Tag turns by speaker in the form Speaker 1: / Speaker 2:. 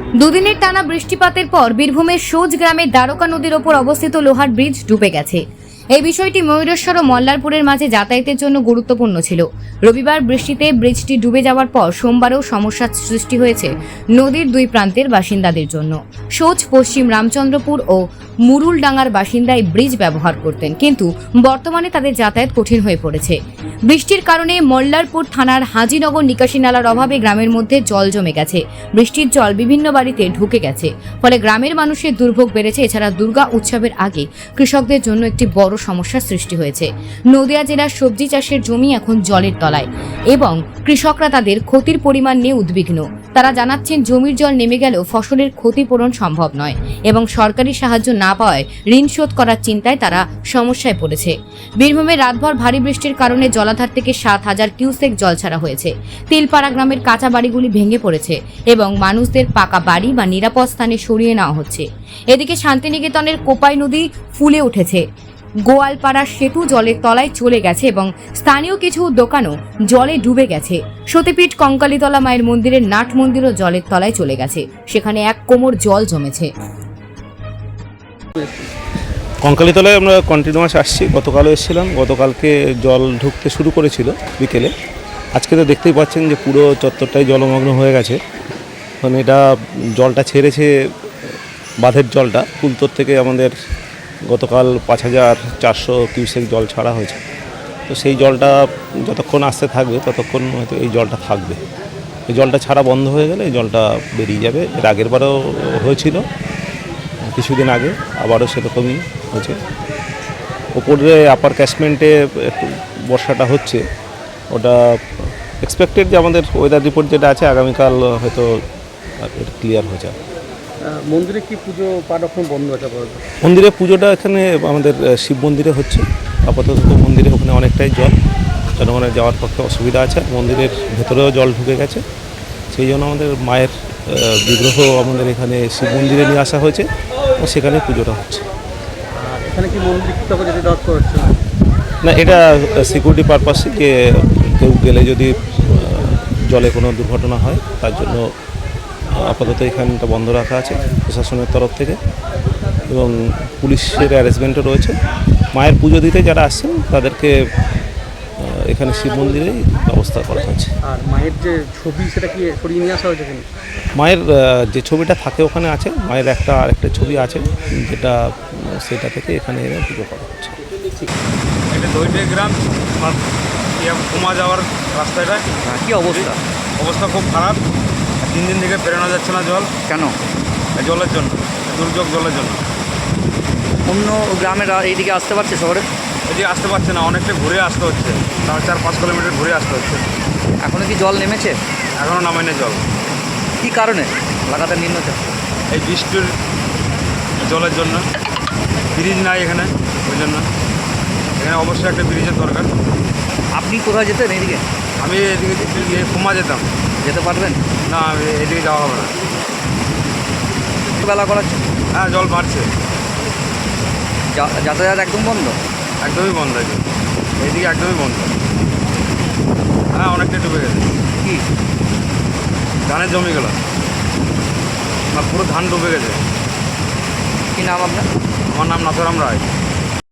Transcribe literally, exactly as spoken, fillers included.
Speaker 1: দুদিনের টানা বৃষ্টিপাতের পর বীরভূমের সোজ গ্রামের দ্বারকা নদীর ওপর অবস্থিত লোহার ব্রিজ ডুবে গেছে। এই বিষয়টি ময়ূরেশ্বর ও মল্লারপুরের মাঝে যাতায়াতের জন্য গুরুত্বপূর্ণ ছিল। রবিবার বৃষ্টিতে ব্রিজটি ডুবে যাওয়ার পর সোমবারেও সমস্যার সৃষ্টি হয়েছে নদীর দুই প্রান্তের বাসিন্দাদের জন্য। সোজ পশ্চিম রামচন্দ্রপুর ও মুরুলডাঙ্গার বাসিন্দা এই ব্রিজ ব্যবহার করতেন, কিন্তু বর্তমানে তাদের যাতায়াত কঠিন হয়ে পড়েছে। বৃষ্টির কারণে মল্লারপুর থানার হাজিনগর নিকাশি নালার অভাবে গ্রামের মধ্যে জল জমে গেছে। বৃষ্টির জল বিভিন্ন বাড়িতে ঢুকে গেছে, ফলে গ্রামের মানুষের দুর্ভোগ বেড়েছে। এছাড়া দুর্গা উৎসবের আগে কৃষকদের জন্য একটি বড় সমস্যার সৃষ্টি হয়েছে। নদিয়া জেলার সবজি চাষের জমি এখন জলের তলায় এবং কৃষকরা তাদের ক্ষতির পরিমাণ নিয়ে উদ্বিগ্ন। তারা জানাচ্ছেন, জমির জল নেমে গেলেও ফসলের ক্ষতিপূরণ সম্ভব নয় এবং সরকারি সাহায্য না পাওয়ায় ঋণ শোধ করার চিন্তায় তারা সমস্যায় পড়েছে। বীরভূমে রাতভর ভারী বৃষ্টির কারণে জলাধার থেকে সাত হাজার কিউসেক জল ছাড়া হয়েছে। তিলপাড়া গ্রামের কাঁচা বাড়িগুলি ভেঙে পড়েছে এবং মানুষদের পাকা বাড়ি বা নিরাপদ স্থানে সরিয়ে নেওয়া হচ্ছে। এদিকে শান্তিনিকেতনের কোপাই নদী ফুলে উঠেছে। গোয়ালপাড়ার সেতু জলের তলায় চলে গেছে এবং স্থানীয় কিছু দোকানও জলে ডুবে গেছে। সতীপীঠ কঙ্কালীতলা মায়ের মন্দিরের নাট মন্দিরও জলের তলায় চলে গেছে। সেখানে এক কোমর জল জমেছে।
Speaker 2: কঙ্কালীতলায় আমরা কন্টিনিউয়াস আসছি। গতকালও এসেছিলাম। গতকালকে জল ঢুকতে শুরু করেছিল বিকেলে। আজকে তো দেখতেই পাচ্ছেন যে পুরো চত্বরটাই জলমগ্ন হয়ে গেছে। মানে এটা জলটা ছেড়েছে, বাঁধের জলটা ফুলতোর থেকে আমাদের গতকাল পাঁচ হাজার চারশো কিউসেক জল ছাড়া হয়েছে। তো সেই জলটা যতক্ষণ আসতে থাকবে ততক্ষণ হয়তো এই জলটা থাকবে। এই জলটা ছাড়া বন্ধ হয়ে গেলে এই জলটা বেরিয়ে যাবে। এর আগের বারও হয়েছিল কিছুদিন আগে, আবারও সেরকমই হয়েছে। ওপরে আপার ক্যাশমেন্টে একটু বর্ষাটা হচ্ছে, ওটা এক্সপেক্টেড যে আমাদের ওয়েদার রিপোর্ট যেটা আছে আগামীকাল হয়তো ক্লিয়ার হয়ে যাবে।
Speaker 3: মন্দিরে কি পুজো পাঠ এখন বন্ধ আছে?
Speaker 2: মন্দিরে পুজোটা এখানে আমাদের শিব মন্দিরে হচ্ছে আপাতত। মন্দিরে ওখানে অনেকটাই জল, জনগণের যাওয়ার পক্ষে অসুবিধা আছে। মন্দিরের ভেতরেও জল ঢুকে গেছে, সেই জন্য আমাদের মায়ের বিগ্রহ আমাদের এখানে শিব মন্দিরে নিয়ে আসা হয়েছে ও সেখানে পুজোটা হচ্ছে।
Speaker 3: এখানে কি মন্দির কৃতজ্ঞ যদি দর করছে
Speaker 2: না, এটা সিকিউরিটি পারপাসে, যে কেউ গেলে যদি জলে কোনো দুর্ঘটনা হয় তার জন্য আপাতত এখানটা বন্ধ রাখা আছে প্রশাসনের তরফ থেকে এবং পুলিশের অ্যারেঞ্জমেন্টও রয়েছে। মায়ের পুজো দিতে যারা আসছেন তাদেরকে এখানে শিব মন্দিরেই ব্যবস্থা করা হয়েছে।
Speaker 3: আর মায়ের যে ছবি সেটা কি সরিয়ে নিয়ে আসা হয়েছে?
Speaker 2: মায়ের যে ছবিটা থাকে ওখানে আছে, মায়ের একটা আরেকটা ছবি আছে যেটা সেটা থেকে এখানে এনে পুজো করা হচ্ছে।
Speaker 4: এটা দইটে গ্রাম ঘুমা যাওয়ার রাস্তাটা
Speaker 3: কি অবস্থা?
Speaker 4: অবস্থা খুব খারাপ। তিন দিন থেকে বেরোনো যাচ্ছে না জল।
Speaker 3: কেন?
Speaker 4: জলের জন্য, দুর্যোগ জলের জন্য।
Speaker 3: অন্য গ্রামের এইদিকে আসতে পারছে শহরে?
Speaker 4: এদিকে আসতে পারছে না, অনেকটা ঘুরে আসতে হচ্ছে, তার চার পাঁচ কিলোমিটার ঘুরে আসতে হচ্ছে।
Speaker 3: এখনো কি জল নেমেছে?
Speaker 4: এখনও নামেনি জল।
Speaker 3: কি কারণে? লাগাতার নিম্নচাপ।
Speaker 4: এই বৃষ্টির জলের জন্য। ব্রিজ নাই এখানে, ওই জন্য এখানে অবশ্যই একটা ব্রিজের দরকার।
Speaker 3: আপনি কোথায় যেতেন এইদিকে?
Speaker 4: আমি এদিকে ঘুমা যেতাম।
Speaker 3: যেতে পারবেন
Speaker 4: না, এদিকে যাওয়া হবে না।
Speaker 3: বেলা করাচ্ছে?
Speaker 4: হ্যাঁ, জল বাড়ছে,
Speaker 3: যাতায়াত একদম বন্ধ?
Speaker 4: একদমই বন্ধ আছে এইদিকে, একদমই বন্ধ। হ্যাঁ, অনেকটাই ডুবে গেছে।
Speaker 3: কি
Speaker 4: ধানের জমি গেল, পুরো ধান ডুবে গেছে।
Speaker 3: কি নাম আপনার?
Speaker 4: আমার নাম নাথুরাম রায়।